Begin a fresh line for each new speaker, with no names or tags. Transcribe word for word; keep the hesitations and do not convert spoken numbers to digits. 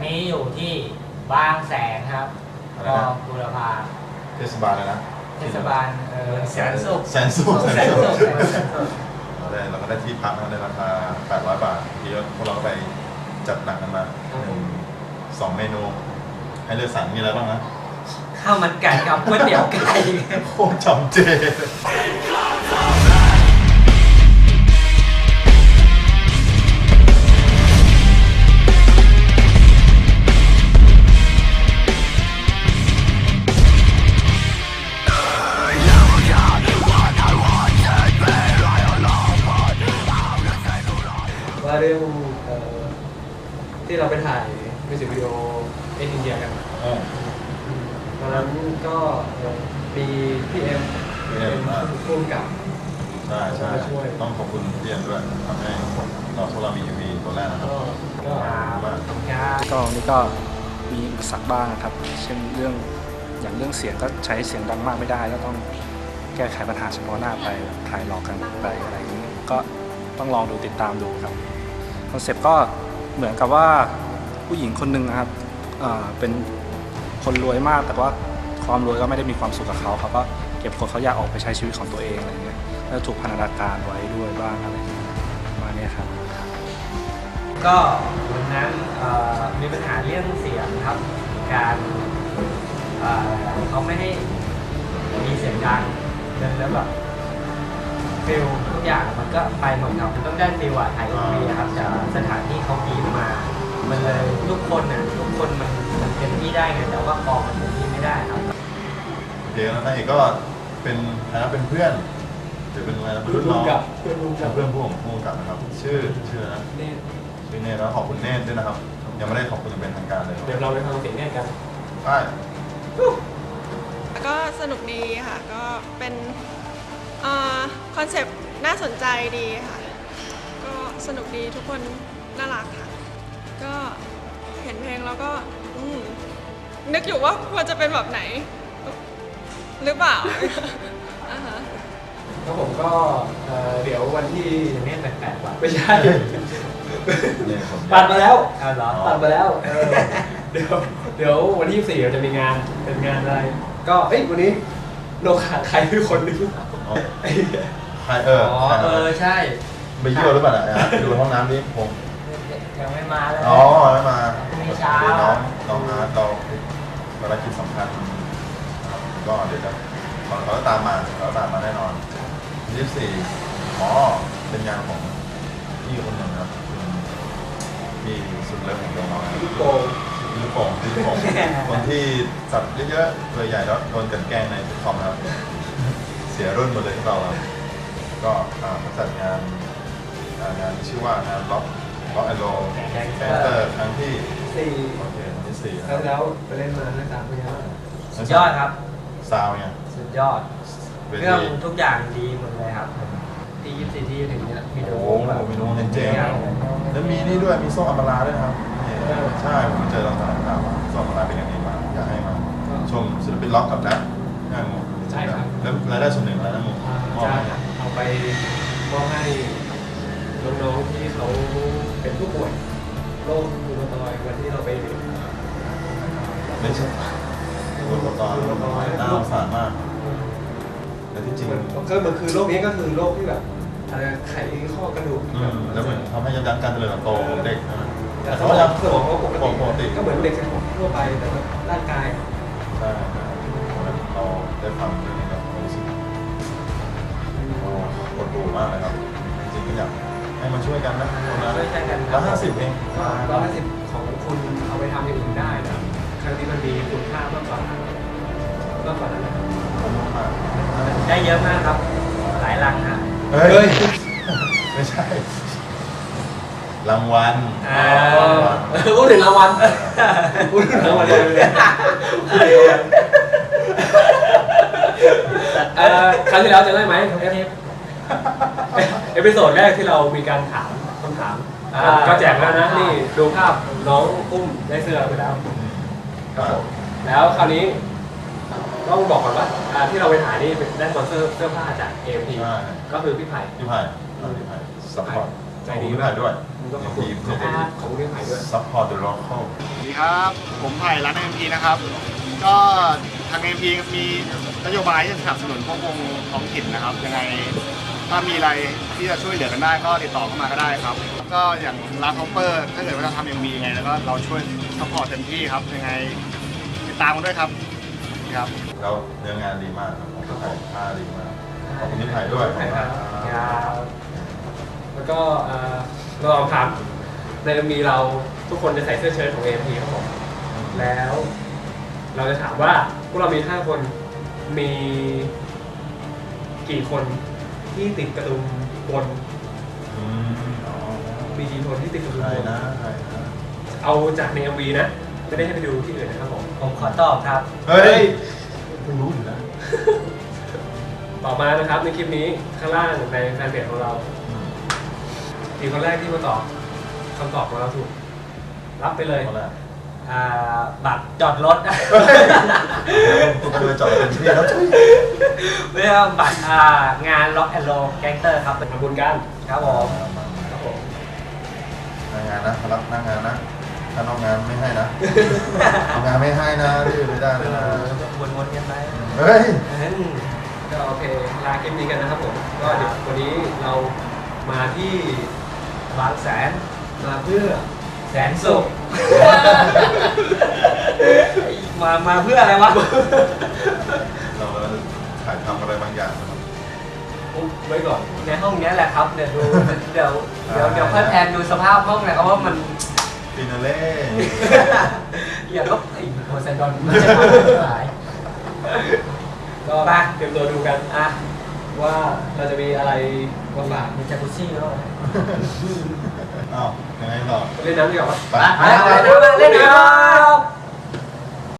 นี้อยู่ที่บางแสนครับกองบุรพา
เทศบาลเลยนะ
เทศบาลเออแสนสุข
แสนสุข
แสนสุข
เราได้เราก็ได้ที่พักในราคาแปดร้อยบาทที่พวกเราไปจัดหนักกันมาสองเมนูให้เลือกสรรมีอะไรบ้างนะ
ข้าวมันไก่กับก๋วยเตี๋ยวไก่
โคตรจำเจ
ว่าเรื่องที่เราไปถ่ายมิวสิกวิดีโอเอ็นอินเดียกันตอนนั้นก็มีพี่เอ็มเป็นผู้กำกับ
ใช่ใช่ต้องขอบคุณพี่เอ็มด้วยทำให้เราพวกเรามี เอ็ม วี ตัวแรกนะครับ
ก็
ก็นี่ก็มีอุปสรรคบ้างครับเช่นเรื่องอย่างเรื่องเสียงก็ใช้เสียงดังมากไม่ได้ก็ต้องแก้ไขปัญหาเฉพาะหน้าไปถ่ายหลอกกันไปอะไรอย่างนี้ก็ต้องลองดูติดตามดูครับคอนเซ็ปต์ก็เหมือนกับว่าผู้หญิงคนหนึ่งนะครับเป็นคนรวยมากแต่ว่าความรวยก็ไม่ได้มีความสุขกับเขาเขาก็เก็บคนเขาอยากออกไปใช้ชีวิตของตัวเองอะไรเงี้ยแล้วถูกพันธนาการไว้ด้วยบ้างอะไรมาเนี่ยครับ
ก็วันนั้นมีปัญหาเรื่องเสียงครับการเขาไม่ให้มีเสียงดังแล้วแบบฟิลทุกอย่างมันก็ไปหมดครับมันต้องได้ฟิลอะถ่ายเอ็มวีครับจากสถานที่เขาบีบมามันเลยทุกคนน่ะทุกคนมันมันเต็มที่ได้ไงแต่ว่ากองมันเต็มที่ไม่ได้ครับ
เดี๋ยวนะเอกก็เป็นนะเป็นเพื่อนหรือเป็นอะไรเพื่อนน้อง
เพื่อนร่วมกับ
เพื่อนผู้ผมผู้กับนะครับชื่อชื่อนะ
เนต
ชื่อเนตแล้วขอบคุณเนตด้วยนะครับยังไม่ได้ขอบคุณเป็นทางการเลย
เดี๋ยวเราไปฟังเสียงเนตกัน
ใช่
ก็สนุกดีค่ะก็เป็นคอนเซปต์น่าสนใจดีค่ะก็สนุกดีทุกคนน่ารักค่ะก็เห็นเพลงแล้วก็นึกอยู่ว่าควรจะเป็นแบบไหนหรือเปล่า
แล้วผมก็เดี๋ยววันที่
เนี่ยแปลกๆกว่า
ไม่ใช่ตัดมาแล้วตัดมาแล้วเดี๋ยวเดี๋ยววันที่ยี่สิบสี่เราจะมีงานเป็นงานอะไรก็เอ้ยวันนี้เราขาดใครคือคนนึง
ใครเออ
เออใช่
ไปเยี่ยวหรือเปล่าอ่ะดูห้องน้ำดิผม
ยังไม่มาเลย
อ๋อไม่มา
ไม่เช้า
น้องน้องอาร์ตเราภารกิจสำคัญก็เดี๋ยวจะเขาเขาตามมาเขาตามมาแน่นอนยี่สิบสี่อ๋อเป็นงานของพี่คนหนึ่งครับพี่สุดเลิฟของน้อง
ลูกโป่ง
ลูกโป่งลูกโป่งคนที่สับเยอะๆตัวใหญ่แล้วโดนกันแกล้งในทุกคอมครับเสียรุ่นหมดเลยที่เราก็จัดงานงานชื่อว่างานล็อกล็อกแอนด์โรแคนเตอร์ครั้งที่
สี่
โอเคที่สี่
แล้วไปเล่นมาหน้าตาเป็นยังไง
สุดยอดครับ
ซาวเนี่ย
สุดยอดเรื่องทุกอย่างดีหมดเลยครับที่ยี่สิบสี่ที่ถึงเนี่ยมีโด
แบบมีโดเจ๋งแล้วมีนี่ด้วยมีโซ่อัมบาราด้วยครับใช่ผมเจอตอนสถานการณ์ว่าโซ่อัมบาราเป็นอย่างนี้มาอยากให้มาชมศิลปินล็อกกับนะงาน
ใช่ครับ
แล้วรายได้ส่วนหนึ่งอะไรนะมุก
จะเอาไปมอบให้น้องๆที่เขาเป็นผู้ป่วยโรครูมาตอยด์วันที่เราไป
ไม่ใช่รูมาตอยด์น่าสงสารมากแต่ที่จริง
ก็มันคือโรคนี้ก็คือโรคที่แบบไขข้อกระดูก
แล้วเหมือนทำให้ยับยั้งการเจริญเติบโตของเด็ก
แต่เขายังสมองเขาปกติก็เหมือนเด็กทั่วไปแต่ร่างกาย
ใช่เราได้ฟังเรื่องนี้ก็รู้สึกปวดหัวมากเลยครับจริงๆก็อยากให้มาช่วยกันนะคนละ
ช่วยกัน
ร้อยห้าสิบเอง
ร้อยห้าสิบของคุณเอาไปทำอย่างอื่นได้นะครั้งนี้มันมีคุณค่ามากกว่ามากกว่านั้นนะครับ
ได้เยอะมากครับหลายรังนะ
เฮ้ยไม่ใช่รางวัล
พูดถึงรางวัลพูดถึงรางวัลเลยครั้งที่แล้วจะได้ไหมเอพิโซดแรกที่เรามีการถามคำถามก็แจกแล้วนะนี่ดูภาพน้องอุ้มได้เสื้อไปแล้วแล้วคราวนี้ต้องบอกก่อนว่าที่เราไปถ่ายนี่ได้สปอนเซอร์เสื้อผ้าจาก เอ เอ็ม ที ก็คือพี่ไผ่
พี่ไผ่พี่ไผ่สปอร์ตใจดีมากด้วย
คุณก็ขอบคุณขอบคุณขอบคุณพี่ไผ่ด้วย
support the local
สวัสดีครับ ผมไผ่ร้าน เอ็ม พี นะครับ ก็ทาง เอ็ม พี มีนโยบายที่จะสนับสนุนพวกวงท้องถิ่นนะครับ ยังไงถ้ามีอะไรที่จะช่วยเหลือกันได้ก็ติดต่อเข้ามาก็ได้ครับแล้วก็อย่างร้านท็อปเปอร์ถ้าเกิดว่าจะทำ เอ็ม พี ยังไงแล้วก็เราช่วยซัพพอร์ตเต็มที่ครับ ยังไงติดตามกันด้วยครับครับ
แล้วเนื้องานดีมากครับผมก็ถ่ายผ้าดีมากขอบคุณพี่ไผ่ด้วย
ขอบคุณครับ
ครับ
แล้วก็เอ่อเราลองถามในมีเราทุกคนจะใส่เสื้อเชิ้ตของ เอ็ม พี ครับผมแล้วเราจะถามว่าพวกเรามีห้าคนมีกี่คนที่ติดกระดุมบน
อืมอ๋อ
มีกี่คนที่ติดกระดุม
ใคร
บน
นะใครนะ
เอาจากใน เอ็ม วี นะไม่ได้ให้ไปดูที่อื่นนะครับผม
ผมขอตอบครับ
เฮ้ยคุณรู้อยู่แล้ว
ต่อมานะครับในคลิปนี้ข้างล่างในแฟนเพจของเรา
อืม
ทีคนแรกที่มาตอบคำตอบของเราถูกรับไปเลย
เอาละ
อ่าบัตรจอดรถ
คุณไปเลยจอดเป็นที่แล้วทุย
ไม่ใช่ว่าบัตรอ่างานล็อกแอนด์โลแก๊งเตอร์ครับ
ทำบุญกัน
ครับผม
ครับผม
หน้างานนะรับหน้างานนะถ้านอกงานไม่ให้นะทำงานไม่ให้นะที่ไม่ได้เลยนะ
วนๆกันไป
เฮ้ย
อืม
ก็โอเคลาคลิปนี้กันนะครับผมก็เดี๋ยววันนี้เรามาที่
บางแสน
มาเพื่อ
แสนสุข มามาเพื่ออะไรวะ
เราถ่ายทำอะไรบางอย่างนะครับ
อุ๊บไว้ก่อน
ในห้องเนี้ยแหละครับ เดี๋ยวดู เดี๋ยวเดี๋ยวเดี๋ยวค่อยแพนดูสภาพห้องหนะครับว่ามัน
ฟินาเล่
อย่าลบไอ้โพไซดอนไม่ใช่ความหมาย
ก็
ไป
เตรียมตัวดูกัน
อ่ะ
ว่าเราจะมีอะไรมาฝาก
มีจากุชี่แล้ว
อ้าวยังไงต่อ
เล่นน้ำดีกว่าปะ
ไป
ไปไปไปเล่นน้ำ